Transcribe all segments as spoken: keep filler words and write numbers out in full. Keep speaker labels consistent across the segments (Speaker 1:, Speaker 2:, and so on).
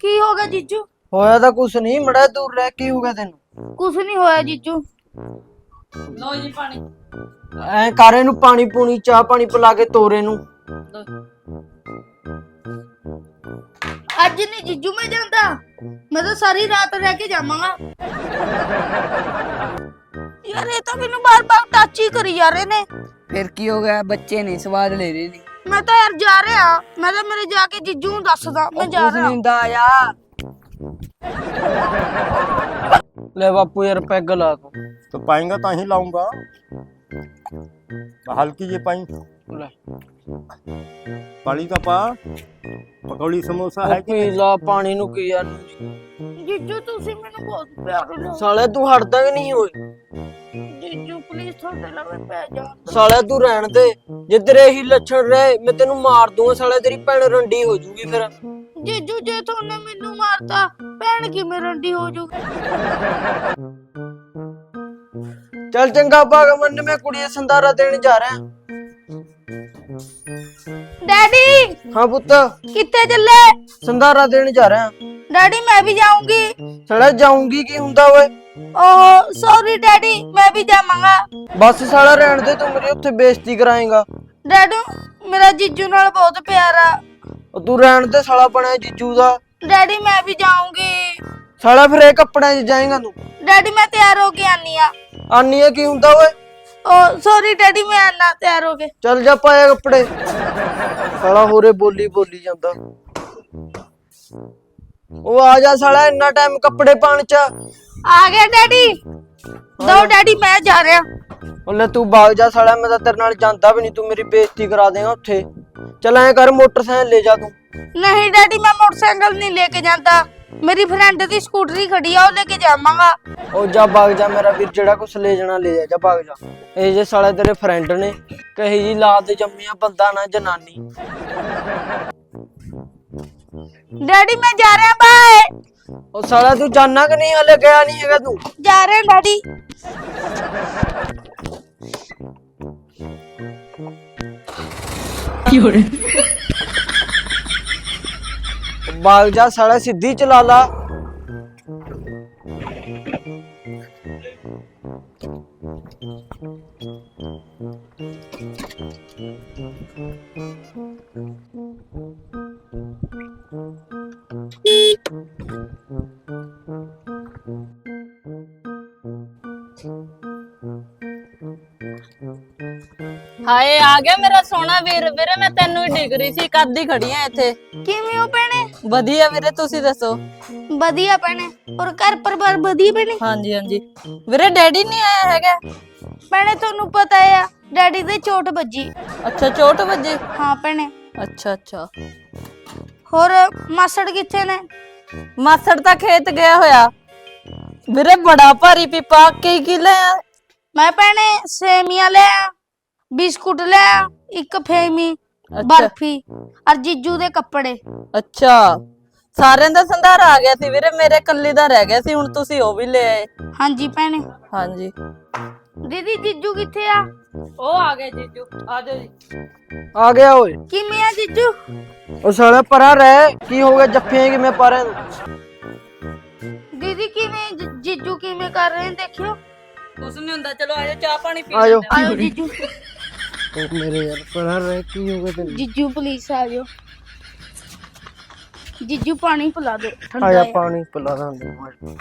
Speaker 1: ਕੀ ਹੋ ਗਿਆ ਜੀਜੂ?
Speaker 2: ਹੋਇਆ ਤਾਂ ਕੁਛ ਨਹੀਂ, ਮੜਾ ਦੂਰ ਰਹਿ। ਕੀ ਹੋ ਗਿਆ ਤੈਨੂੰ?
Speaker 1: ਕੁਛ ਨਹੀਂ ਹੋਇਆ ਜੀਜੂ।
Speaker 3: ਲਓ ਜੀ ਪਾਣੀ।
Speaker 2: ਐ ਕਰ ਇਹਨੂੰ ਪਾਣੀ ਪੂਣੀ ਚਾਹ ਪਾਣੀ ਪਿਲਾ ਕੇ ਤੋਰੇ ਨੂੰ।
Speaker 1: ਅੱਜ ਨਹੀਂ ਜੀਜੂ ਮੈਂ ਜਾਂਦਾ, ਮੈਂ ਤਾਂ ਸਾਰੀ ਰਾਤ ਰਹਿ ਕੇ ਜਾਵਾਂਗਾ। ਯਾਰ ਇਹ ਤਾਂ ਮੈਨੂੰ ਬਾਰ-ਬਾਰ ਟੱਚ ਹੀ ਕਰੀ ਜਾ ਰਹੇ ਨੇ।
Speaker 3: ਫਿਰ ਕੀ ਹੋ ਗਿਆ? ਬੱਚੇ ਨੇ ਸਵਾਦ ਲੈ ਰਹੇ ਨੇ।
Speaker 1: ਮੈਂ ਤਾਂ ਯਾਰ ਜਾ ਰਿਹਾ, ਮੈਂ ਤਾਂ ਮੇਰੇ ਜਾ ਕੇ ਜੀਜੂ ਨੂੰ ਦੱਸਦਾ ਮੈਂ ਜਾ ਰਿਹਾ।
Speaker 3: ਹੁੰਦਾ ਆ
Speaker 2: ਲੈ ਬਾਪੂ ਯਾਰ ਪੈਗ ਲਾ ਤੂੰ।
Speaker 4: तो पाएंगा तो ही लाऊंगा। हल्की ये पाई
Speaker 2: ਲੈ
Speaker 4: पानी का पा पकौड़ी समोसा है कि
Speaker 2: ਪੀ ਲਾ ਪਾਣੀ ਨੂੰ ਕੀ ਯਾਰ।
Speaker 1: ਜੀਜੂ ਤੁਸੀਂ ਮੈਨੂੰ ਬਹੁਤ ਪਿਆਰ ਹੋ।
Speaker 2: ਸਾਲੇ ਤੂੰ ਹਟਦਾ ਕਿ ਨਹੀਂ ਓਏ?
Speaker 1: ਜੀਜੂ ਪਲੀਜ਼ ਤੁਹਾਡੇ ਲਵੇ ਪੈ ਜਾ।
Speaker 2: ਸਾਲੇ ਤੂੰ ਰਹਿਣ ਦੇ, ਜੇ ਤੇਰੇ ਇਹੀ ਲੱਛਣ ਰਹੇ ਮੈਂ ਤੈਨੂੰ ਮਾਰ ਦੂੰਗਾ। ਸਾਲੇ ਤੇਰੀ ਭੈਣ ਰੰਡੀ ਹੋ ਜੂਗੀ ਫਿਰ।
Speaker 1: ਜੀਜੂ ਜੇ ਤੁਹਾਨੇ ਮੈਨੂੰ ਮਾਰਤਾ ਭੈਣ ਕਿਵੇਂ ਰੰਡੀ ਹੋ ਜੂਗੀ?
Speaker 2: ਚੱਲ ਚੰਗਾ ਭਾਗ ਮੰਨ, ਮੈਂ ਕੁੜੀ ਸੰਧਾਰਾ ਦੇਣ ਜਾ ਰਿਹਾ।
Speaker 1: ਡੈਡੀ
Speaker 2: ਹਾਂ ਪੁੱਤ,
Speaker 1: ਕਿੱਥੇ ਚੱਲੇ?
Speaker 2: ਸੰਧਾਰਾ ਦੇਣ ਜਾ ਰਿਹਾ।
Speaker 1: ਡੈਡੀ ਮੈਂ ਵੀ ਜਾਊਂਗੀ।
Speaker 2: ਸਾਲਾ ਜਾਊਂਗੀ ਕੀ ਹੁੰਦਾ ਓਏ?
Speaker 1: ਓਹ ਸੌਰੀ ਡੈਡੀ, ਮੈਂ ਵੀ ਜਾਵਾਂਗਾ।
Speaker 2: ਬਸ ਸਾਲਾ ਰਹਿਣ ਦੇ, ਤੂੰ ਮੇਰੀ ਉੱਥੇ ਬੇਇੱਜ਼ਤੀ ਕਰਾਏਗਾ।
Speaker 1: ਡੈਡੂ ਮੇਰਾ ਜੀਜੂ ਨਾਲ ਬਹੁਤ ਪਿਆਰ ਆ।
Speaker 2: ਉਹ ਤੂੰ ਰਹਿਣ ਦੇ, ਸਾਲਾ ਬਣਿਆ ਜੀਜੂ ਦਾ।
Speaker 1: ਡੈਡੀ ਮੈਂ ਵੀ ਜਾਊਂਗੀ।
Speaker 2: ਸਾਲਾ ਫਿਰ ਇਹ ਕੱਪੜਿਆਂ 'ਚ ਜਾਏਗਾ ਤੂੰ?
Speaker 1: ਡੈਡੀ ਮੈਂ ਤਿਆਰ ਹੋ ਕੇ ਆਨੀ ਆ।
Speaker 2: ਆਨੀ ਆ ਕੀ ਹੁੰਦਾ ਓਏ?
Speaker 1: ਓ ਸੌਰੀ ਡੈਡੀ ਮੈਂ ਆਨਾ ਤਿਆਰ ਹੋ ਕੇ।
Speaker 2: ਚੱਲ ਜਾ ਪਾਇਆ ਕੱਪੜੇ। ਸਾਲਾ ਹੋਰੇ ਬੋਲੀ ਬੋਲੀ ਜਾਂਦਾ। ਉਹ ਆ ਜਾ ਸਾਲਾ, ਇੰਨਾ ਟਾਈਮ ਕੱਪੜੇ ਪਾਣ 'ਚ।
Speaker 1: ਆ ਗਿਆ ਡੈਡੀ। ਦੋ ਡੈਡੀ ਮੈਂ ਜਾ ਰਿਹਾ।
Speaker 2: ਉਹਲੇ ਤੂੰ ਬਾਗ ਜਾ ਸਾਲਾ, ਮੈਂ ਤਾਂ ਤੇਰੇ ਨਾਲ ਜਾਂਦਾ ਵੀ ਨਹੀਂ, ਤੂੰ ਮੇਰੀ ਬੇਇੱਜ਼ਤੀ ਕਰਾ ਦੇਗਾ ਉੱਥੇ। ਚੱਲ ਐਂ ਕਰ, ਮੋਟਰਸਾਈਕਲ ਲੈ ਜਾ ਤੂੰ।
Speaker 1: ਨਹੀਂ ਡੈਡੀ ਮੈਂ ਮੋਟਰਸਾਈਕਲ ਨਹੀਂ ਲੈ ਕੇ ਜਾਂਦਾ, ਮੇਰੀ ਫਰੈਂਡ ਦੀ ਸਕੂਟਰੀ ਖੜੀ ਆ, ਉਹ ਲੈ ਕੇ ਜਾਵਾਂਗਾ।
Speaker 2: ਉਹ ਜਾ ਬਾਗ ਜਾ ਮੇਰਾ ਵੀਰ, ਜਿਹੜਾ ਕੁਛ ਲੈ ਜਾਣਾ ਲੈ ਜਾ, ਜਾ ਬਾਗ ਜਾ। ਇਹ ਜੇ ਸਾਲੇ ਤੇਰੇ ਫਰੈਂਡ ਨੇ, ਕਹੀ ਜੀ ਲਾਤ ਜੰਮੀਆਂ ਬੰਦਾ ਨਾ ਜਨਾਨੀ।
Speaker 1: ਡੈਡੀ ਮੈਂ ਜਾ ਰਿਹਾ, ਬਾਏ।
Speaker 2: ਉਹ ਸਾਲਾ ਤੂੰ ਜਾਨਾ ਕਿ ਨਹੀਂ? ਹਲੇ ਗਿਆ ਨਹੀਂ ਹੈਗਾ ਤੂੰ?
Speaker 1: ਜਾ ਰਿਹਾ ਡੈਡੀ।
Speaker 2: ਬਾਗ ਜਾ ਸਾਲਾ, ਸਿੱਧੀ ਚਲਾ ਲਾ।
Speaker 3: ਹਾਏ ਆ ਗਿਆ ਮੇਰਾ ਸੋਹਣਾ ਵੀਰ। ਵੀਰੇ ਮੈਂ ਤੈਨੂੰ ਹੀ ਡਿਗ ਰਹੀ ਸੀ, ਕਦ ਦੀ ਖੜੀ ਆ ਇੱਥੇ।
Speaker 1: ਕਿਵੇਂ ਹੋ ਭੈਣੇ?
Speaker 3: ਵਧੀਆ ਵੀਰੇ, ਤੁਸੀਂ ਦੱਸੋ?
Speaker 1: ਵਧੀਆ ਭੈਣੇ, ਔਰ ਘਰ ਪਰਿਵਾਰ ਵਧੀਆ ਭੈਣੇ?
Speaker 3: ਹਾਂਜੀ ਹਾਂਜੀ ਵੀਰੇ, ਡੈਡੀ ਨਹੀਂ ਆਇਆ ਹੈਗਾ?
Speaker 1: ਭੈਣੇ ਤੁਹਾਨੂੰ ਪਤਾ ਆ ਡੈਡੀ ਦੇ ਚੋਟ ਵੱਜੀ।
Speaker 3: ਅੱਛਾ ਚੋਟ ਵੱਜੀ?
Speaker 1: ਹਾਂ ਭੈਣੇ।
Speaker 3: ਅੱਛਾ ਅੱਛਾ।
Speaker 1: ਹੋਰ ਮਾਸੜ ਕਿੱਥੇ ਨੇ?
Speaker 3: ਮਾਸੜ ਤਾਂ ਖੇਤ ਗਿਆ ਹੋਇਆ। ਵੀਰੇ ਬੜਾ ਭਾਰੀ ਪੀਪਾ, ਕਈ ਕੀ ਲਿਆ?
Speaker 1: ਮੈਂ ਭੈਣੇ ਸੇਮੀਆਂ ਲਿਆ, ਬਿਸਕੁਟ ਲਿਆ, ਇੱਕ ਫੇਮੀ, ਬਰਫੀ, ਔਰ ਜੀਜੂ ਦੇ ਕੱਪੜੇ।
Speaker 3: ਅੱਛਾ ਸਾਰਿਆਂ ਦਾ ਸੰਧਾਰਾ ਆ ਗਿਆ ਸੀ ਵੀਰੇ, ਮੇਰੇ ਕੱਲੀ ਦਾ ਰਹਿ ਗਿਆ ਸੀ, ਹੁਣ ਤੁਸੀਂ ਉਹ ਵੀ ਲੈ ਆਏ।
Speaker 1: ਹਾਂਜੀ ਭੈਣੇ।
Speaker 3: ਹਾਂਜੀ
Speaker 1: ਦੀਦੀ ਜੀਜੂ ਕਿੱਥੇ ਆ?
Speaker 3: ਉਹ ਆ ਗਏ ਜੀਜੂ, ਆ ਜਾਓ ਜੀ।
Speaker 2: ਆ ਗਿਆ ਓਏ।
Speaker 1: ਕਿਵੇਂ ਆ ਜੀਜੂ?
Speaker 2: ਉਹ ਸਾਲਾ ਪਰਾਂ ਰਹਿ, ਕੀ ਹੋ ਗਿਆ? ਜੱਫੀਆਂ ਕਿਵੇਂ ਪਾ ਰਹੇ ਤੂੰ?
Speaker 1: ਦੀਦੀ ਕਿਵੇਂ ਜੀ- ਜੀਜੂ ਕਿਵੇਂ ਕਰ ਰਹੇ ਨੇ ਦੇਖਿਓ।
Speaker 3: ਕੁਛ ਨਹੀਂ ਹੁੰਦਾ, ਚਲੋ ਆਜੋ ਚਾਹ ਪਾਣੀ ਪੀ
Speaker 2: ਆਜੋ।
Speaker 3: ਲੈਂਦੇ
Speaker 1: ਆਇਓ ਜੀਜੂ।
Speaker 2: ਉਹ ਮੇਰੇ ਯਾਰ ਪਰਾਂ ਰਹਿ, ਕੀ ਹੋ ਗਿਆ ਤੈਨੂੰ?
Speaker 1: ਜੀਜੂ ਪਲੀਜ਼ ਆ ਜਾਓ। ਜੀਜੂ ਪਾਣੀ ਪਿਲਾ ਦਿਓ ਠੰਡਾ
Speaker 2: ਆਇਆ
Speaker 1: ਹੈ।
Speaker 2: ਪਾਣੀ ਪਿਲਾ ਦਾਂਗੇ।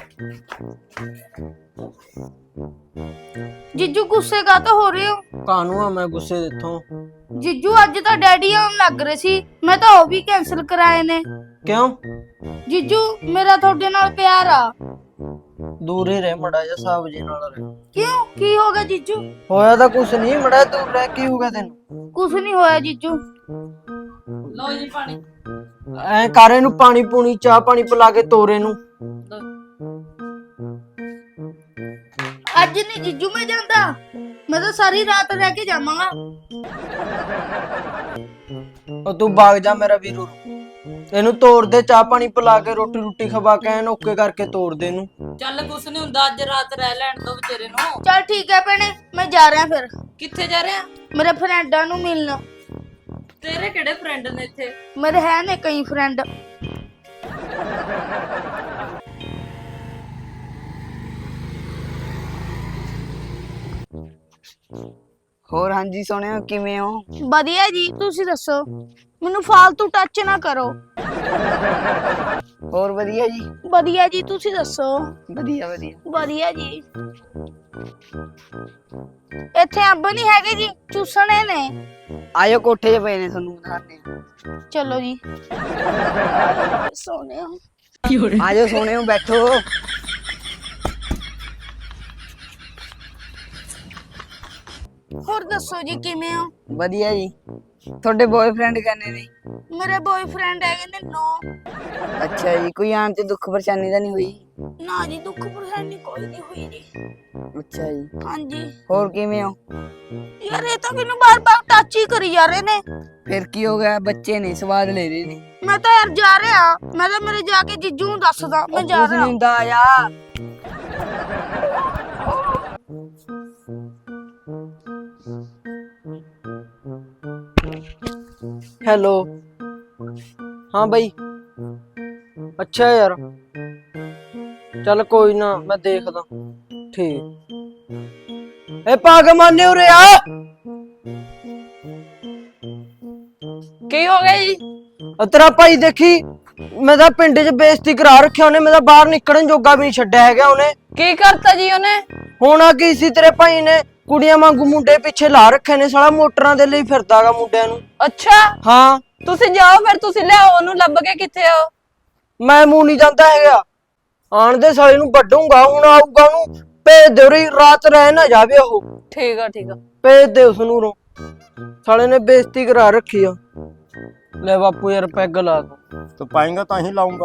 Speaker 1: ਜੀਜੂ ਗੁੱਸੇ ਕਾਹਤੋਂ ਹੋ ਰਹੇ ਹੋ?
Speaker 2: ਕਾਹਨੂੰ ਆ ਮੈਂ ਗੁੱਸੇ ਦਿੱਥੋਂ?
Speaker 1: ਜੀਜੂ ਅੱਜ ਤਾਂ ਡੈਡੀ ਆਉਣ ਲੱਗ ਰਹੇ ਸੀ, ਮੈਂ ਤਾਂ ਉਹ ਵੀ ਕੈਨਸਲ ਕਰਾਏ ਨੇ।
Speaker 2: ਕਿਉਂ?
Speaker 1: ਜੀਜੂ ਮੇਰਾ ਤੁਹਾਡੇ ਨਾਲ ਪਿਆਰ ਆ।
Speaker 2: ਦੂਰ ਹੀ ਰਹਿ ਮੜਾ ਜਾ, ਸਾਬ ਜੀ ਨਾਲ ਰਹਿ।
Speaker 1: ਕਿਉਂ ਕੀ ਹੋ ਗਿਆ ਜੀਜੂ?
Speaker 2: ਹੋਇਆ ਤਾਂ ਕੁਛ ਨਹੀਂ, ਮੜਾ ਦੂਰ ਰਹਿ। ਕੀ ਹੋ ਗਿਆ ਤੈਨੂੰ?
Speaker 1: ਕੁਛ ਨਹੀਂ ਹੋਇਆ ਜੀਜੂ।
Speaker 3: ਲਓ ਜੀ ਪਾਣੀ।
Speaker 2: ਐ ਕਰ ਇਹਨੂੰ ਪਾਣੀ ਪੂਣੀ ਚਾਹ ਪਾਣੀ ਪਿਲਾ ਕੇ ਤੋਰੇ ਨੂੰ।
Speaker 1: ਅੱਜ ਨਹੀਂ ਜੀਜੂ ਮੈਂ ਜਾਂਦਾ, ਮੈਂ ਤਾਂ ਸਾਰੀ ਰਾਤ ਰਹਿ ਕੇ ਜਾਵਾਂਗਾ।
Speaker 2: ਉਹ ਤੂੰ ਬਾਗ ਜਾ ਮੇਰਾ ਵੀਰੂ, ਇਹਨੂੰ ਤੋੜ ਦੇ, ਚਾਹ ਪਾਣੀ ਪਿਲਾ ਕੇ ਰੋਟੀ ਰੋਟੀ ਖਵਾ ਕੇ ਐਨ ਓਕੇ ਕਰਕੇ ਤੋੜ ਦੇ ਇਹਨੂੰ।
Speaker 3: ਚੱਲ ਕੁਛ ਨਹੀਂ ਹੁੰਦਾ, ਅੱਜ ਰਾਤ ਰਹਿ ਲੈਣ ਦੋ ਵਿਚਾਰੇ ਨੂੰ।
Speaker 1: ਚਲ ਠੀਕ ਹੈ ਭੈਣੇ, ਮੈਂ ਜਾ ਰਿਹਾ ਫਿਰ।
Speaker 3: ਕਿੱਥੇ ਜਾ ਰਿਹਾ?
Speaker 1: ਮੇਰੇ ਫਰੈਂਡਾਂ ਨੂੰ ਮਿਲਣ।
Speaker 3: ਤੇਰੇ ਕਿਹੜੇ ਫਰੈਂਡ ਨੇ ਇੱਥੇ?
Speaker 1: ਮੇਰੇ ਹੈ ਨੇ ਕਈ ਫਰੈਂਡ।
Speaker 5: ਹੋਰ ਹਾਂਜੀ ਸੋਹਣਿਆ ਕਿਵੇਂ ਹੋ?
Speaker 1: ਵਧੀਆ ਜੀ, ਤੁਸੀਂ ਦੱਸੋ? ਮੈਨੂੰ ਫालतू ਟੱਚ ਨਾ ਕਰੋ।
Speaker 5: ਹੋਰ ਵਧੀਆ ਜੀ।
Speaker 1: ਵਧੀਆ ਜੀ, ਤੁਸੀਂ ਦੱਸੋ?
Speaker 5: ਵਧੀਆ ਵਧੀਆ।
Speaker 1: ਵਧੀਆ ਜੀ। ਇੱਥੇ ਅੰਬ ਨਹੀਂ ਹੈਗੇ ਜੀ, ਚੂਸਣੇ ਨੇ।
Speaker 5: ਆਇਓ ਕੋਠੇ 'ਚ ਪਏ ਨੇ ਤੁਹਾਨੂੰ ਦਿਖਾਉਂਦੇ ਆ।
Speaker 1: ਚਲੋ ਜੀ। ਸੋਹਣਿਆ।
Speaker 5: ਆਜੋ ਸੋਹਣਿਓ ਬੈਠੋ।
Speaker 1: ਹੋਰ ਦੱਸੋ ਜੀ, ਕਿਵੇਂ ਹੋ?
Speaker 5: ਵਧੀਆ ਜੀ। ਤੁਹਾਡੇ ਬॉयਫ੍ਰੈਂਡ ਕਹਿੰਦੇ ਨੇ?
Speaker 1: ਮੇਰੇ ਬॉयਫ੍ਰੈਂਡ ਹੈਗੇ ਨੇ ਨੌ।
Speaker 5: ਅੱਛਾ ਜੀ, ਕੋਈ ਆਣ ਤੇ ਦੁੱਖ ਪਰੇਸ਼ਾਨੀ ਤਾਂ ਨਹੀਂ ਹੋਈ?
Speaker 1: ਨਾ ਜੀ, ਦੁੱਖ ਪਰੇਸ਼ਾਨੀ ਕੋਈ ਨਹੀਂ ਹੋਈ ਜੀ।
Speaker 5: ਅੱਛਾ ਜੀ।
Speaker 1: ਹਾਂਜੀ।
Speaker 5: ਹੋਰ ਕਿਵੇਂ ਹੋ?
Speaker 1: ਯਾਰ ਇਹ ਤਾਂ ਮੈਨੂੰ ਬਾਰ-ਬਾਰ ਟੱਚ ਹੀ ਕਰੀ ਜਾ ਰਹੇ ਨੇ।
Speaker 5: ਫਿਰ ਕੀ ਹੋ ਗਿਆ? ਬੱਚੇ ਨੇ ਸਵਾਦ ਲੈ ਰਹੇ ਨੇ।
Speaker 1: ਮੈਂ ਤਾਂ ਯਾਰ ਜਾ ਰਿਹਾ, ਮੈਂ ਤਾਂ ਮੇਰੇ ਜਾ ਕੇ ਜੀਜੂ ਨੂੰ ਦੱਸਦਾ ਮੈਂ ਜਾ
Speaker 5: ਕੁਛ
Speaker 1: ਰਿਹਾ।
Speaker 5: ਨਹੀਂ ਹੁੰਦਾ, ਆਇਆ।
Speaker 2: ਹੈਲੋ। ਹਾਂ ਬਈ। ਅੱਛਾ ਯਾਰ, ਚੱਲ ਕੋਈ ਨਾ, ਮੈਂ ਦੇਖਦਾ। ਠੀਕ। ਏ ਪਾਗ ਮਾਨੇ ਉਰੇ ਆ।
Speaker 3: ਕੀ ਹੋ ਗਿਆ ਜੀ?
Speaker 2: ਆ ਤੇਰਾ ਭਾਈ ਦੇਖੀ, ਮੈਂ ਤਾਂ ਪਿੰਡ 'ਚ ਬੇਇੱਜ਼ਤੀ ਕਰਾ ਰੱਖਿਆ ਉਹਨੇ, ਮੈਂ ਤਾਂ ਬਾਹਰ ਨਿਕਲਣ ਜੋਗਾ ਵੀ ਨਹੀਂ ਛੱਡਿਆ ਹੈਗਾ ਉਹਨੇ।
Speaker 3: ਕੀ ਕਰਤਾ ਜੀ ਉਹਨੇ?
Speaker 2: ਹੋਣਾ ਕੀ ਸੀ, ਤੇਰੇ ਭਾਈ ਨੇ ਕੁੜੀਆਂ ਵਾਂਗੂ ਮੁੰਡੇ ਪਿੱਛੇ ਲਾ ਰੱਖੇ ਨੇ, ਸਾਲਾ ਮੋਟਰਾਂ ਦੇ ਲਈ ਫਿਰਦਾਗਾ ਮੁੰਡਿਆਂ ਨੂੰ।
Speaker 3: ਅੱਛਾ,
Speaker 2: ਹਾਂ।
Speaker 3: ਤੁਸੀਂ ਜਾਓ ਫਿਰ, ਤੁਸੀਂ ਲਿਆਓ ਉਹਨੂੰ, ਲੱਭ ਕੇ ਕਿੱਥੇ ਹੋ?
Speaker 2: ਮੈਂ ਮੂੰਹ ਨਹੀਂ ਜਾਂਦਾ ਹੈਗਾ, ਆਣ ਦੇ ਸਾਲੇ ਨੂੰ ਵੱਢੂੰਗਾ, ਹੁਣ ਆਊਗਾ ਉਹਨੂੰ ਭੇਜ ਦੇ, ਉਰੇ ਰਾਤ ਰਹਿ ਨਾ ਜਾਵੇ ਉਹ।
Speaker 3: ਠੀਕ ਆ ਠੀਕ ਆ।
Speaker 2: ਭੇਜ ਦੇ ਉਸ ਨੂੰ, ਸਾਲੇ ਨੇ ਬੇਇੱਜ਼ਤੀ ਕਰਾ ਰੱਖੀ ਆ। ਲੈ ਬਾਪੂ ਯਾਰ ਪੈਗ ਲਾ ਦੋ।
Speaker 4: तो पाएंगा तो ही लाऊंगा।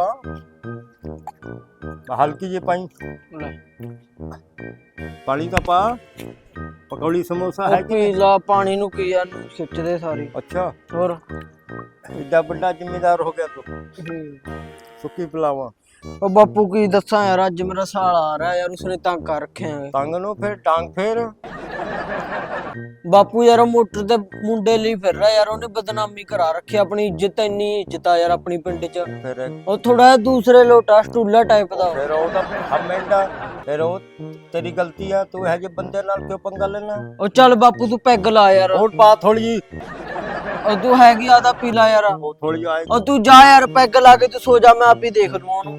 Speaker 4: हल्की जी पाई।
Speaker 2: ਲੈ
Speaker 4: पानी का पा। पकौड़ी समोसा है
Speaker 2: ਉਹ
Speaker 4: कि
Speaker 2: ਪੀ ਲਾ ਪਾਣੀ ਨੂੰ, ਕੀ ਯਾਰ ਖਿੱਚਦੇ ਸਾਰੇ।
Speaker 4: अच्छा
Speaker 2: ਹੋਰ
Speaker 4: एडा बड़ा जिम्मेदार हो गया तो सुक्की पिलावा।
Speaker 2: ਉਹ ਬਾਪੂ ਕੀ ਦੱਸਾਂ ਯਾਰ, ਅੱਜ ਮੇਰਾ ਸਾਲ ਆ ਰਿਹਾ ਯਾਰ, ਉਸਨੇ ਤੰਗ ਕਰ ਰੱਖਿਆ ਹੈ।
Speaker 4: टांग नो फिर टांग फिर।
Speaker 2: ਬਾਪੂ ਯਾਰ ਉਹ ਮੋਟਰ ਤੇ ਮੁੰਡੇ ਲਈ ਫਿਰ ਰਿਹਾ ਯਾਰ, ਉਹਨੇ ਬਦਨਾਮੀ ਕਰਾ ਰੱਖੀ, ਆਪਣੀ ਇੱਜ਼ਤ ਇੰਨੀ ਇੱਜ਼ਤ ਆ ਯਾਰ ਆਪਣੀ ਪਿੰਡ 'ਚ।
Speaker 4: फिर
Speaker 2: ਉਹ ਥੋੜਾ ਦੂਸਰੇ ਲੋਟਾ ਸਟੂਲਾ ਟਾਈਪ ਦਾ।
Speaker 4: फिर वो तो हम मेंढा। फिर वो तेरी गलती है, तू है जो बंदे नाल क्यों पंगा लेना।
Speaker 2: ਉਹ ਚੱਲ ਬਾਪੂ ਤੂੰ ਪੈਗ ਲਾ ਯਾਰ,
Speaker 4: और बात थोड़ी
Speaker 2: ਉਹ ਤੂੰ ਹੈਗੀ ਆਦਾ ਪੀ ਲਾ ਯਾਰ।
Speaker 4: वो थोड़ी आएगी।
Speaker 2: ਉਹ ਤੂੰ ਜਾ ਯਾਰ, ਪੈਗ ਲਾ ਕੇ ਤੂੰ ਸੋ ਜਾ, ਮੈਂ ਆਪ ਹੀ ਦੇਖ ਲੂੰ ਉਹਨੂੰ।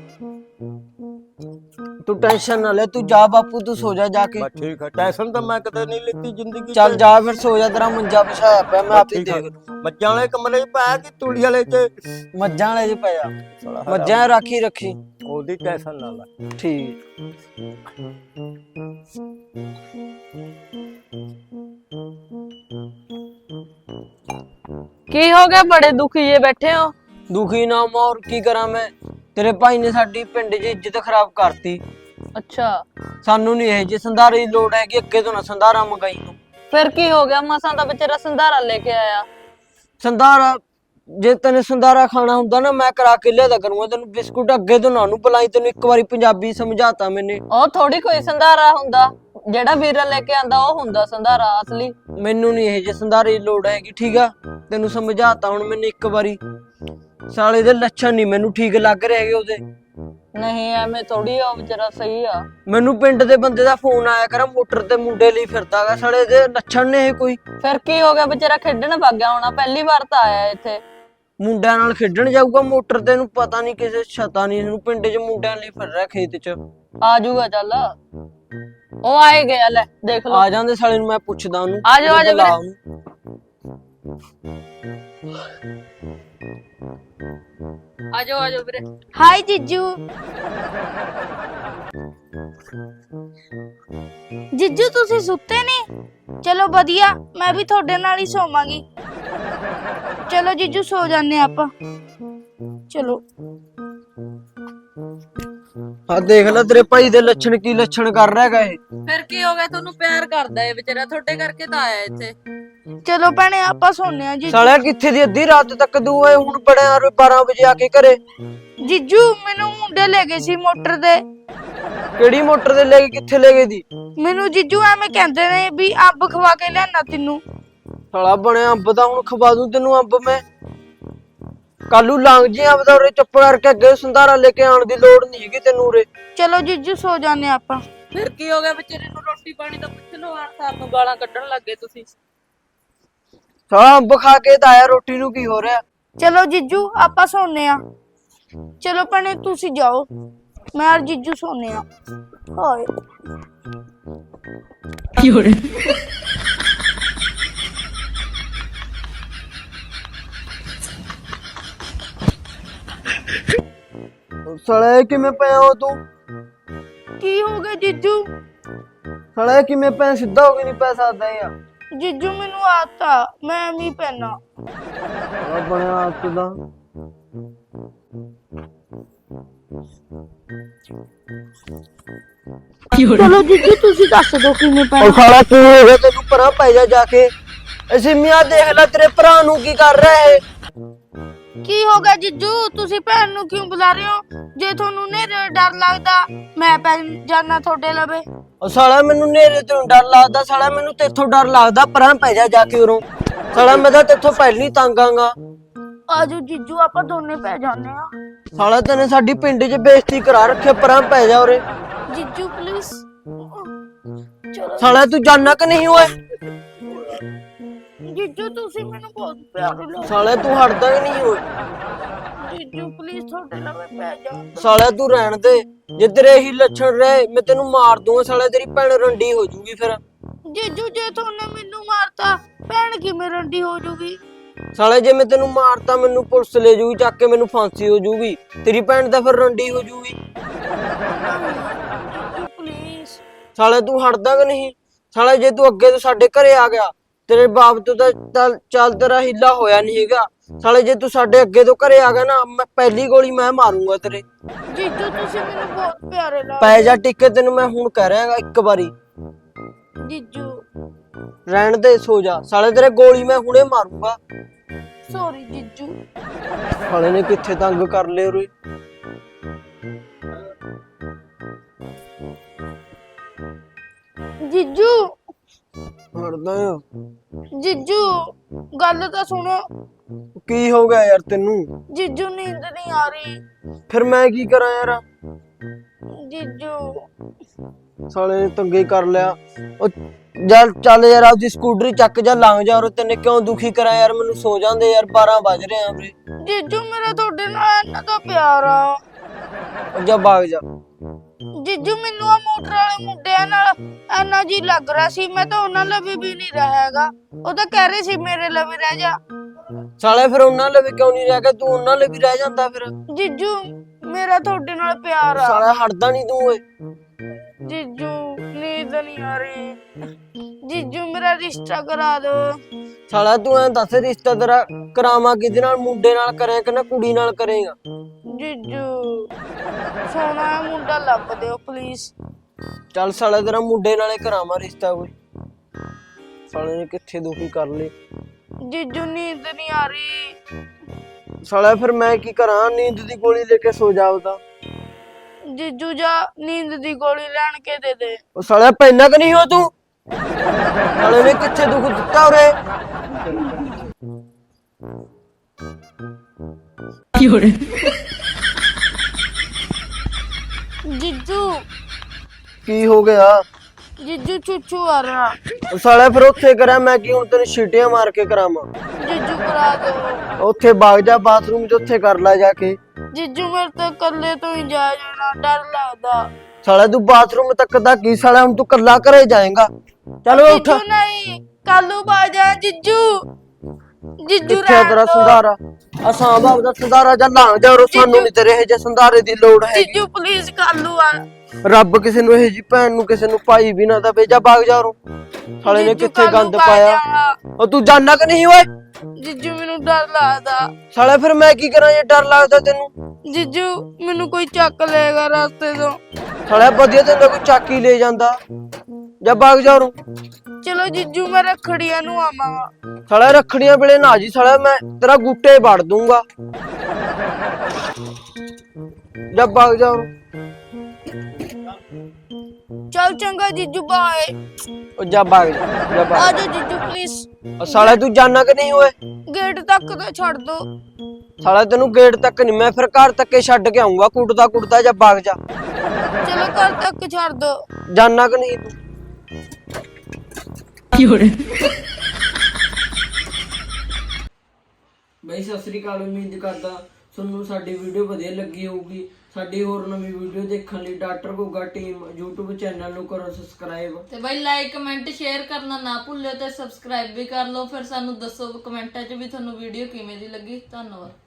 Speaker 2: ਤੂੰ ਟੈਨਸ਼ਨ ਨਾ ਲੈ, ਤੂੰ ਜਾ ਬਾਪੂ, ਤੂੰ ਸੋ ਜਾ ਜਾ ਕੇ।
Speaker 4: बस ठीक है, टेंशन तो मैं कदे नहीं लेती जिंदगी।
Speaker 2: ਚੱਲ ਜਾ ਫਿਰ ਸੋ ਜਾ, ਤੇਰਾ ਮੰਜਾ ਵਿਛਾਇਆ ਪਿਆ, ਮੈਂ ਆਪ ਹੀ ਦੇਖ ਲੂੰ।
Speaker 4: मज्जा वाले कमरे च पाया कि तूड़ी वाले च।
Speaker 2: ਮੱਝਾਂ ਵਾਲੇ 'ਚ ਪਿਆ, ਮੱਝਾਂ ਰਾਖੀ ਰੱਖੀ।
Speaker 4: ओदी टेंशन ना ले।
Speaker 2: ਠੀਕ।
Speaker 3: ਕੀ ਹੋ ਗਿਆ? ਬੜੇ ਦੁਖੀ ਜੇ ਬੈਠੇ ਹੋ।
Speaker 2: ਦੁਖੀ ਨਾ ਮੋਰ ਕੀ ਕਰਾਂ ਮੈਂ, ਤੇਰੇ ਭਾਈ ਨੇ ਸਾਡੀ ਪਿੰਡ 'ਚ ਇੱਜ਼ਤ ਖਰਾਬ ਕਰਤੀ।
Speaker 3: ਅੱਛਾ,
Speaker 2: ਸਾਨੂੰ ਨਹੀਂ ਇਹ ਜੇ ਸੰਧਾਰੇ ਦੀ ਲੋੜ ਹੈਗੀ, ਅੱਗੇ ਤੋਂ ਨਾ ਸੰਧਾਰਾ ਮੰਗਾਈ ਤੂੰ।
Speaker 3: ਫਿਰ ਕੀ ਹੋ ਗਿਆ? ਮਸਾਂ ਦਾ ਵਿਚਾਰਾ ਸੰਧਾਰਾ ਲੈ ਕੇ ਆਇਆ।
Speaker 2: ਸੰਧਾਰਾ ਜੇ ਤੈਨੂੰ ਸੰਧਾਰਾ ਖਾਣਾ ਹੁੰਦਾ ਨਾ, ਮੈਂ ਕਰਾ ਕੇ ਲਿਆਦਾ ਕਰੂੰਗਾ ਤੈਨੂੰ ਬਿਸਕੁਟ, ਅੱਗੇ ਤੋਂ ਨਾ ਉਹਨੂੰ ਪਲਾਈ। ਤੈਨੂੰ ਇੱਕ ਵਾਰੀ ਪੰਜਾਬੀ ਸਮਝਾਤਾ ਮੈਨੇ।
Speaker 3: ਉਹ ਥੋੜੀ ਕੋਈ ਸੰਧਾਰਾ ਹੁੰਦਾ, ਜਿਹੜਾ ਵੀਰਾ ਲੈ ਕੇ ਆਂਦਾ ਉਹ ਹੁੰਦਾ ਸੰਧਾਰਾ ਅਸਲੀ।
Speaker 2: ਮੈਨੂੰ ਨਹੀਂ ਇਹ ਜੇ ਸੰਧਾਰੇ ਦੀ ਲੋੜ ਹੈਗੀ, ਠੀਕ ਆ? ਤੈਨੂੰ ਸਮਝਾਤਾ ਹੁਣ ਮੈਨੇ ਇੱਕ ਵਾਰੀ। ਸਾਲੇ ਦੇ ਲੱਛਣ ਨਹੀਂ ਮੈਨੂੰ ਠੀਕ ਲੱਗ ਰਹੇ ਹੈਗੇ ਉਹਦੇ।
Speaker 3: ਨਹੀਂ ਐਵੇਂ ਥੋੜੀ ਆ, ਵਿਚਾਰਾ ਸਹੀ ਆ।
Speaker 2: ਮੈਨੂੰ ਪਿੰਡ ਦੇ ਬੰਦੇ ਦਾ ਫੋਨ ਆਇਆ ਕਰ, ਮੋਟਰ ਤੇ ਮੁੰਡੇ ਲਈ ਫਿਰਦਾਗਾ, ਸਾਲੇ ਦੇ ਲੱਛਣ ਨੇ ਇਹ ਕੋਈ।
Speaker 3: ਫਿਰ ਕੀ ਹੋ ਗਿਆ? ਵਿਚਾਰਾ ਖੇਡਣ ਵਗ ਗਿਆ ਹੋਣਾ, ਪਹਿਲੀ ਵਾਰ ਤਾਂ ਆਇਆ ਇੱਥੇ।
Speaker 2: ਮੁੰਡਿਆਂ ਨਾਲ ਖੇਡਣ ਜਾਊਗਾ ਮੋਟਰ ਤੇ? ਨੂੰ ਪਤਾ ਨਹੀਂ ਕਿਸੇ ਛਤਾ ਨਹੀਂ ਇਹਨੂੰ, ਪਿੰਡ 'ਚ ਮੁੰਡਿਆਂ ਲਈ ਫਿਰ ਰਿਹਾ ਖੇਤ 'ਚ।
Speaker 3: ਆ ਜਾਊਗਾ ਚੱਲ, ਉਹ ਆਏ ਗਿਆ, ਲੈ ਦੇਖ ਲਓ।
Speaker 2: ਆ ਜਾਂਦੇ ਸਾਲੇ ਨੂੰ, ਮੈਂ ਪੁੱਛਦਾ ਉਹਨੂੰ।
Speaker 3: ਆ ਜਾਓ, ਆ ਜਾਓ
Speaker 2: ਬੁਲਾ
Speaker 3: ਵੀਰੇ।
Speaker 2: ਉਹਨੂੰ।
Speaker 3: ਆ ਜਾਓ ਆ ਜਾਓ ਵੀਰੇ।
Speaker 1: ਹਾਈ ਜੀਜੂ। ਜੀਜੂ ਤੁਸੀਂ ਸੁੱਤੇ ਨਹੀਂ? ਚਲੋ ਵਧੀਆ, ਮੈਂ ਵੀ ਤੁਹਾਡੇ ਨਾਲ ਹੀ ਸੋਵਾਂਗੀ। ਚਲੋ ਜੀਜੂ ਸੋ ਜਾਂਦੇ ਆਪਾਂ। ਚਲੋ।
Speaker 2: ਆ ਦੇਖ ਲੈ ਤੇਰੇ ਭਾਈ ਦੇ ਲੱਛਣ, ਕੀ ਲੱਛਣ ਕਰ ਰਿਹਾ ਹੈਗਾ ਇਹ।
Speaker 3: ਫਿਰ ਕੀ ਹੋ ਗਿਆ? ਤੁਹਾਨੂੰ ਪਿਆਰ ਕਰਦਾ ਏ ਵਿਚਾਰਾ, ਤੁਹਾਡੇ ਕਰਕੇ ਤਾਂ ਆਇਆ ਇੱਥੇ।
Speaker 1: ਚਲੋ ਭੈਣੇ ਆਪਾਂ ਸੋਨੇ ਆ। ਜੀਜੂ
Speaker 2: ਸਾਲਿਆ ਕਿੱਥੇ ਦੀ ਅੱਧੀ ਰਾਤ ਤੱਕ ਦੂ ਹੋਏ, ਹੁਣ ਬੜੇ ਬਾਰਾਂ ਵਜੇ ਆ ਕੇ ਘਰੇ।
Speaker 1: ਜੀਜੂ ਮੈਨੂੰ ਮੁੰਡੇ ਲੈ ਗਏ ਸੀ ਮੋਟਰ ਤੇ।
Speaker 2: ਕਿਹੜੀ ਮੋਟਰ ਤੇ ਲੈ ਕੇ, ਕਿੱਥੇ ਲੈ ਗਏ ਦੀ?
Speaker 1: ਮੈਨੂੰ ਜੀਜੂ ਐਵੇਂ ਕਹਿੰਦੇ ਨੇ ਵੀ ਅੰਬ ਖਵਾ ਕੇ ਲਿਆਣਾ ਤੈਨੂੰ।
Speaker 2: ਸਾਲਾ ਬਣਿਆ ਅੰਬ ਦਾ, ਹੁਣ ਖਵਾ ਦੂੰ ਤੈਨੂੰ ਅੰਬ ਮੈਂ। ਕੱਲੂ ਲੰਘ ਜੀ ਅੰਬ ਦਾ, ਉਰੇ ਚੁੱਪ ਕਰਕੇ ਅੱਗੇ ਸੰਧਾਰਾ ਲੈ ਕੇ ਆਉਣ ਦੀ ਲੋੜ ਨਹੀਂ ਹੈਗੀ ਤੈਨੂੰ ਉਰੇ।
Speaker 1: ਚਲੋ ਜੀਜੂ ਸੋ ਜਾਂਦੇ ਆਪਾਂ।
Speaker 3: ਫਿਰ ਕੀ ਹੋ ਗਿਆ ਵਿਚਾਰੇ ਨੂੰ? ਰੋਟੀ ਪਾਣੀ ਤਾਂ ਪੁੱਛ ਲਓ, ਆਣ ਸਾਰ ਨੂੰ ਗਾਲਾਂ ਕੱਢਣ ਲੱਗੇ ਤੁਸੀਂ।
Speaker 2: ਸਾਲਾ ਅੰਬ ਖਾ ਕੇ ਤਾਂ ਆਇਆ, ਰੋਟੀ ਨੂੰ ਕੀ ਹੋ ਰਿਹਾ?
Speaker 1: ਚਲੋ ਜੀਜੂ ਆਪਾਂ ਸੌਂਨੇ ਆ। ਚਲੋ ਭੈਣੇ ਤੁਸੀਂ ਜਾਓ, ਮੈਂ ਔਰ ਜੀਜੂ ਸੌਂਨੇ ਆ। ਹਾਏ
Speaker 2: ਸਾਲਾ ਇਹ ਕਿਵੇਂ ਪਿਆ ਹੋ ਤੂੰ?
Speaker 1: ਕੀ ਹੋ ਗਿਆ ਜੀਜੂ?
Speaker 2: ਸਾਲਾ ਇਹ ਕਿਵੇਂ ਪਿਆ? ਸਿੱਧਾ ਹੋ ਕੇ ਨਹੀਂ ਪੈ ਸਕਦਾ ਯਾਰ।
Speaker 1: ਜੀਜੂ ਮੈਨੂੰ ਆਤਾ, ਮੈਂ ਵੀ ਪੈਣਾ।
Speaker 2: ਆ ਬਣਿਆ ਹੱਥ ਦਾ।
Speaker 1: ਚਲੋ ਜੀਜੂ ਤੁਸੀਂ ਦੱਸ ਦੋ ਕਿਵੇਂ
Speaker 2: ਉਹ
Speaker 1: ਪੈਣਾ।
Speaker 2: ਸਾਲਾ ਕੀ ਹੋ ਗਿਆ ਤੈਨੂੰ? ਪਰਾਂ ਪੈ ਜਾ ਜਾ ਕੇ। ਅਸੀਂ ਮੀਆਂ ਦੇਖ ਲੈ ਤੇਰੇ ਭਰਾ ਨੂੰ ਕੀ ਕਰ ਰਿਹਾ ਹੈ।
Speaker 1: ਕੀ ਹੋ ਗਿਆ ਜੀਜੂ? ਤੁਸੀਂ ਭੈਣ ਨੂੰ ਕਿਉਂ ਬੁਲਾ ਰਹੇ ਹੋ? ਜੇ ਤੁਹਾਨੂੰ ਨੇਰੇ ਡਰ ਲੱਗਦਾ ਮੈਂ ਪੈ ਜਾਣਾ ਤੁਹਾਡੇ ਲਵੇ।
Speaker 2: ਉਹ ਸਾਲਾ ਮੈਨੂੰ ਨੇਰੇ ਤੋਂ ਡਰ ਲੱਗਦਾ, ਸਾਲਾ ਮੈਨੂੰ ਤੇਥੋਂ ਡਰ ਲੱਗਦਾ। ਪਰਾਂ ਪੈ ਜਾ ਜਾ ਕੇ ਉਰੋਂ। ਸਾਲਾ ਮੈਂ ਤਾਂ ਤੇਥੋਂ ਪਹਿਲੀ ਤੰਗ ਆਂਗਾ।
Speaker 1: ਆਜੋ ਜੀਜੂ ਆਪਾਂ ਦੋਨੇ ਪੈ ਜਾਂਦੇ ਆ।
Speaker 2: ਸਾਲਾ ਤੈਨੇ ਸਾਡੀ ਪਿੰਡ 'ਚ ਬੇਇੱਜ਼ਤੀ ਕਰਾ ਰੱਖਿਆ। ਪਰਾਂ ਪੈ ਜਾ ਉਰੇ।
Speaker 1: ਜੀਜੂ ਪਲੀਜ਼ ਚਲੋ।
Speaker 2: ਸਾਲਾ ਤੂੰ ਜਾਨਣਾ ਕਿ ਨਹੀਂ ਓਏ?
Speaker 1: ਜੀਜੂ ਤੁਸੀਂ ਮੈਨੂੰ ਬਹੁਤ ਪਿਆਰ ਲੱਗਦੇ।
Speaker 2: ਸਾਲਾ ਤੂੰ ਹਟਦਾ ਕਿ ਨਹੀਂ ਓਏ?
Speaker 1: ਜੀਜੂ ਪਲੀਜ਼ ਤੁਹਾਡੇ ਲਵੇ ਪੈ ਜਾ।
Speaker 2: ਸਾਲਾ ਤੂੰ ਰਹਿਣ ਦੇ। ਜੇ ਤੇਰੇ ਇਹੀ ਲੱਛਣ ਰਹੇ ਮੈਂ ਤੈਨੂੰ ਮਾਰ ਦੂੰਗਾ। ਸਾਲਾ ਤੇਰੀ ਭੈਣ ਰੰਡੀ ਹੋ ਜੂਗੀ ਫਿਰ।
Speaker 1: ਜੀਜੂ ਜੇ ਤੁਹਾਨੂੰ ਮੈਨੂੰ ਮਾਰਤਾ ਭੈਣ ਕਿਵੇਂ ਰੰਡੀ ਹੋ ਜੂਗੀ?
Speaker 2: ਸਾਲੇ ਜੇ ਮੈਂ ਤੈਨੂੰ ਮਾਰਤਾ ਮੈਨੂੰ ਪੁਲਿਸ ਲੈ ਜੂਗੀ ਚੱਕ ਕੇ, ਮੈਨੂੰ ਫਾਂਸੀ ਹੋ ਜੂਗੀ। ਤੇਰੀ ਭੈਣ ਤਾਂ ਫਿਰ ਰੰਡੀ ਹੋ ਜੂਗੀ।
Speaker 1: ਪਲੀਜ਼
Speaker 2: ਸਾਲੇ ਤੂੰ ਹਟਦਾ ਕਿ ਨਹੀਂ? ਸਾਲੇ ਜੇ ਤੂੰ ਅੱਗੇ ਤੋਂ ਸਾਡੇ ਘਰੇ ਆ ਗਿਆ ਤੇਰੇ ਬਾਪ ਤੋਂ ਤਾਂ ਚੱਲ ਚੱਲ ਤੇਰਾ ਹਿੱਲਾ ਹੋਇਆ ਨਹੀਂ ਹੈਗਾ। ਸਾਲੇ ਜੇ ਤੂੰ ਸਾਡੇ ਅੱਗੇ ਤੋਂ ਘਰੇ ਆ ਗਿਆ ਨਾ ਮੈਂ ਪਹਿਲੀ ਗੋਲੀ ਮੈਂ ਮਾਰੂੰਗਾ ਤੇਰੇ।
Speaker 1: ਜੀਜੂ ਤੁਸੀਂ ਮੈਨੂੰ ਬਹੁਤ ਪਿਆਰੇ ਲੱਗਦੇ।
Speaker 2: ਪੈ ਜਾ ਟਿੱਕੇ, ਤੈਨੂੰ ਮੈਂ ਹੁਣ ਕਹਿ ਰਿਹਾਗਾ ਇੱਕ ਵਾਰੀ।
Speaker 1: ਜੀਜੂ
Speaker 2: ਰਹਿਣ ਦੇ, ਸੋ ਜਾ। ਸਾਲੇ ਤੇਰੇ ਗੋਲੀ ਮੈਂ ਹੁਣੇ ਮਾਰੂੰਗਾ।
Speaker 1: ਸੌਰੀ ਜੀਜੂ।
Speaker 2: ਸਾਲੇ ਨੇ ਕਿੱਥੇ ਤੰਗ ਕਰ ਲਿਆ ਉਰੇ।
Speaker 1: ਜੀਜੂ
Speaker 2: ਹਟਦਾ ਆ।
Speaker 1: ਜੀਜੂ ਗੱਲ ਤਾਂ ਸੁਣੋ।
Speaker 2: ਕੀ ਹੋ ਗਿਆ ਯਾਰ ਤੈਨੂੰ?
Speaker 1: ਜੀਜੂ ਨੀਂਦ ਨਹੀਂ ਆ ਰਹੀ।
Speaker 2: ਫਿਰ ਮੈਂ ਕੀ ਕਰਾਂ ਯਾਰ?
Speaker 1: ਜੀਜੂ
Speaker 2: ਸਾਲੇ ਨੇ ਤੰਗੇ ਕਰ ਲਿਆ। ਉਹ ਚੱਲ ਚੱਲ ਯਾਰ, ਆਪਦੀ ਸਕੂਟਰੀ ਚੱਕ ਜਾ, ਲੰਘ ਜਾ। ਔਰ ਤੈਨੇ ਕਿਉਂ ਦੁਖੀ ਕਰਾਂ ਯਾਰ? ਮੈਨੂੰ ਸੋ ਜਾਂਦੇ ਯਾਰ, ਬਾਰਾਂ ਵੱਜ ਰਹੇ ਆ ਵੀਰੇ।
Speaker 1: ਜੀਜੂ ਮੇਰਾ ਤੁਹਾਡੇ ਨਾਲ ਇੰਨਾ ਤਾਂ ਪਿਆਰ ਆ।
Speaker 2: ਉਹ ਜਾ ਭਾਗ ਜਾ।
Speaker 1: ਜੀਜੂ ਮੈਨੂੰ ਆ ਮੋਟਰ ਵਾਲੇ ਮੁੰਡਿਆਂ ਨਾਲ ਇੰਨਾ ਜੀ ਲੱਗ ਰਿਹਾ ਸੀ, ਮੈਂ ਤਾਂ ਉਹਨਾਂ ਲਵੇ ਵੀ ਨਹੀਂ ਰਹੇਗਾ। ਉਹ ਤਾਂ ਕਹਿ ਰਹੇ ਸੀ ਮੇਰੇ ਲਵੇ ਰਹਿ ਜਾ।
Speaker 2: ਸਾਲੇ ਫਿਰ ਉਹਨਾਂ ਲਈ ਕਿਉਂ ਨਹੀਂ ਰਹਿ ਗਿਆ? ਤੂੰ ਉਹਨਾਂ ਲਈ ਵੀ ਰਹਿ ਜਾਂਦਾ ਫਿਰ।
Speaker 1: ਜੀਜੂ ਮੇਰਾ ਤੁਹਾਡੇ ਨਾਲ ਪਿਆਰ ਆ।
Speaker 2: ਸਾਲਾ ਹਟਦਾ ਨਹੀਂ ਤੂੰ ਓਏ।
Speaker 1: ਜੀਜੂ ਨੀਂਦ ਨਹੀਂ ਆ ਰਹੀ। ਜੀਜੂ ਮੇਰਾ ਰਿਸ਼ਤਾ ਕਰਾ ਦੋ।
Speaker 2: ਸਾਲਾ ਤੂੰ ਐਂ ਦੱਸ, ਰਿਸ਼ਤਾ ਤੇਰਾ ਕਰਾਵਾਂ ਕਿਹਦੇ ਨਾਲ? ਮੁੰਡੇ ਨਾਲ ਕਰੇਗਾ ਕਿ ਨਾ ਕੁੜੀ ਨਾਲ ਕਰੇਗਾ?
Speaker 1: ਜੀਜੂ ਸੋਹਣਾ ਮੁੰਡਾ ਲੱਭ ਦਿਓ ਪਲੀਜ਼।
Speaker 2: ਚੱਲ ਸਾਲਾ ਤੇਰਾ ਮੁੰਡੇ ਨਾਲੇ ਕਰਾਵਾਂ ਰਿਸ਼ਤਾ ਕੋਈ। ਸਾਲੇ ਨੇ ਕਿੱਥੇ ਦੁਖੀ ਕਰ ਲਏ।
Speaker 1: ਜੀਜੂ ਨੀਂਦ ਨਹੀਂ ਆ ਰਹੀ।
Speaker 2: ਸਾਲਾ ਫਿਰ ਮੈਂ ਕੀ ਕਰਾਂ? ਨੀਂਦ ਦੀ ਗੋਲੀ ਲੈ ਕੇ ਸੋ ਜਾ ਉਹਦਾ।
Speaker 1: ਜੀਜੂ ਜਾ ਨੀਂਦ ਦੀ ਗੋਲੀ ਲੈਣ ਕੇ ਦੇ ਦੇ।
Speaker 2: ਉਹ ਸਾਲਾ ਪੈਨਾ ਕਿ ਨਹੀਂ ਹੋ ਤੂੰ? ਸਾਲੇ ਨੇ ਕਿੱਥੇ ਦੁੱਖ ਦਿੱਤਾ ਉਰੇ।
Speaker 1: ਜੀਜੂ
Speaker 2: ਕੀ ਹੋ ਗਿਆ?
Speaker 1: ਜੀਜੂ ਚੂਚੂ ਆ ਰਿਹਾ।
Speaker 2: ਉਹ ਸਾਲਾ ਫਿਰ ਉੱਥੇ ਕਰਾਂ ਮੈਂ ਕੀ? ਹੁਣ ਤੈਨੂੰ ਛੀਟੀਆਂ ਮਾਰ ਕੇ ਕਰਾਵਾਂ?
Speaker 1: ਜੀਜੂ ਕਰਾ ਦੋ।
Speaker 2: ਉੱਥੇ ਬਾਗ ਜਾ ਬਾਥਰੂਮ 'ਚ, ਉੱਥੇ ਕਰ ਲੈ ਜਾ ਕੇ।
Speaker 1: ਜੀਜੂ ਮੇਰੇ ਤੋਂ ਇਕੱਲੇ ਤੋਂ ਹੀ ਜਾ ਜਾਣਾ, ਡਰ ਲੱਗਦਾ।
Speaker 2: ਸਾਲਾ ਤੂੰ ਬਾਥਰੂਮ ਤੱਕ ਦਾ ਕੀ? ਸਾਲਾ ਹੁਣ ਤੂੰ ਕੱਲਾ ਘਰੇ ਜਾਏਗਾ। ਚਲੋ ਉੱਠ।
Speaker 1: ਜੀਜੂ ਨਹੀਂ ਕਾਲੂ ਬਾਜਾ। ਜੀਜੂ ਜੀਜੂ
Speaker 2: ਕਿੱਥੇ ਆ ਤੇਰਾ
Speaker 1: ਰਹਿਣ ਦਿਓ।
Speaker 2: ਸੰਧਾਰਾ? ਆ ਸਾਂਭਾ ਦਾ ਸੰਧਾਰਾ ਜਾਂ ਲੰਘ ਜਾ ਉਰੋਂ। ਸਾਨੂੰ ਨਹੀਂ ਤੇਰੇ ਇਹ ਜੇ ਸੰਧਾਰੇ ਦੀ ਲੋੜ ਹੈ।
Speaker 1: ਜੀਜੂ ਪਲੀਜ਼ ਕਾਲੂ ਆ।
Speaker 2: ਰੱਬ ਕਿਸੇ ਨੂੰ ਇਹ ਜੀ ਭੈਣ ਨੂੰ ਕਿਸੇ ਨੂੰ ਭਾਈ ਵੀ ਨਾ ਦਵੇ। ਜਾ ਭਾਗ ਜਾ ਉਰੋਂ। ਸਾਲੇ ਨੇ
Speaker 1: ਜੀਜੂ
Speaker 2: ਕਿੱਥੇ
Speaker 1: ਕਾਲੂ
Speaker 2: ਗੰਦ
Speaker 1: ਪਾ
Speaker 2: ਪਾਇਆ।
Speaker 1: ਜਾਣਾ।
Speaker 2: ਉਹ ਤੂੰ ਜਾਨਣਾ ਕਿ ਨਹੀਂ ਓਏ?
Speaker 1: ਜੀਜੂ ਮੈਨੂੰ ਡਰ ਲੱਗਦਾ।
Speaker 2: ਸਾਲੇ ਫਿਰ ਮੈਂ ਕੀ ਕਰਾਂ ਜੇ ਡਰ ਲੱਗਦਾ ਤੈਨੂੰ?
Speaker 1: ਜੀਜੂ ਮੈਨੂੰ ਕੋਈ ਚੱਕ ਲਏਗਾ ਰਸਤੇ ਤੋਂ।
Speaker 2: ਸਾਲੇ ਵਧੀਆ ਤੈਨੂੰ ਕੋਈ ਚਾਕੀ ਲੈ ਜਾਂਦਾ। ਜਾ ਭਾਗ ਜਾ ਉਰੋਂ।
Speaker 1: ਚਲੋ ਜੀਜੂ ਮੈਂ ਰੱਖੜੀਆਂ ਨੂੰ ਆਵਾਂਗਾ।
Speaker 2: ਸਾਲੇ ਰੱਖੜੀਆਂ ਵੇਲੇ ਨਾ ਜੀ। ਸਾਲੇ ਮੈਂ ਤੇਰਾ ਗੁੱਟੇ ਵੜ ਦੂੰਗਾ। ਜਾ ਭਾਗ ਜਾ ਉਰੋਂ।
Speaker 1: ਚਲ ਚੰਗਾ ਜੀਜੂ ਬਾਏ।
Speaker 2: ਉਹ ਜਾ ਭਾਗ ਜਾ। ਜਾ ਭਾਗ।
Speaker 1: ਆਜੋ ਜੀਜੂ ਪਲੀਜ਼।
Speaker 2: ਉਹ ਸਾਲੇ ਤੂੰ ਜਾਨਣਾ ਕਿ ਨਹੀਂ ਓਏ?
Speaker 1: ਗੇਟ ਤੱਕ ਤਾਂ ਛੱਡ ਦੋ।
Speaker 2: ਸਾਲਾ ਤੈਨੂੰ ਗੇਟ ਤੱਕ ਨਹੀਂ, ਮੈਂ ਫਿਰ ਘਰ ਤੱਕੇ ਛੱਡ ਕੇ ਆਉਂਗਾ ਕੁੱਟਦਾ ਕੁੱਟਦਾ। ਜਾ ਭਾਗ ਜਾ।
Speaker 1: ਚਲੋ ਘਰ ਤੱਕ ਛੱਡ ਦੋ।
Speaker 2: ਜਾਨਾ ਕਿ ਨਹੀਂ ਤੂੰ? ਬਈ ਸਤਿ ਸ੍ਰੀ ਅਕਾਲ। ਉਮੀਦ ਕਰਦਾ ਤੁਹਾਨੂੰ ਸਾਡੀ ਵੀਡੀਓ ਵਧੀਆ ਲੱਗੀ ਹੋਊਗੀ। ਸਾਡੀ ਹੋਰ ਨਵੀਂ ਵੀਡੀਓ ਦੇਖਣ ਲਈ doctor Goga team YouTube channel ਨੂੰ ਕਰੋ ਸਬਸਕ੍ਰਾਈਬ
Speaker 3: ਤੇ ਬਾਈ ਲਾਈਕ ਕਮੈਂਟ ਸ਼ੇਅਰ ਕਰਨਾ ਨਾ ਭੁੱਲਿਓ ਤੇ ਸਬਸਕ੍ਰਾਈਬ ਵੀ ਕਰ ਲਓ। ਫਿਰ ਸਾਨੂੰ ਦੱਸੋ ਕਮੈਂਟਾਂ 'ਚ ਵੀ ਤੁਹਾਨੂੰ ਵੀਡੀਓ ਕਿਵੇਂ ਦੀ ਲੱਗੀ। ਧੰਨਵਾਦ।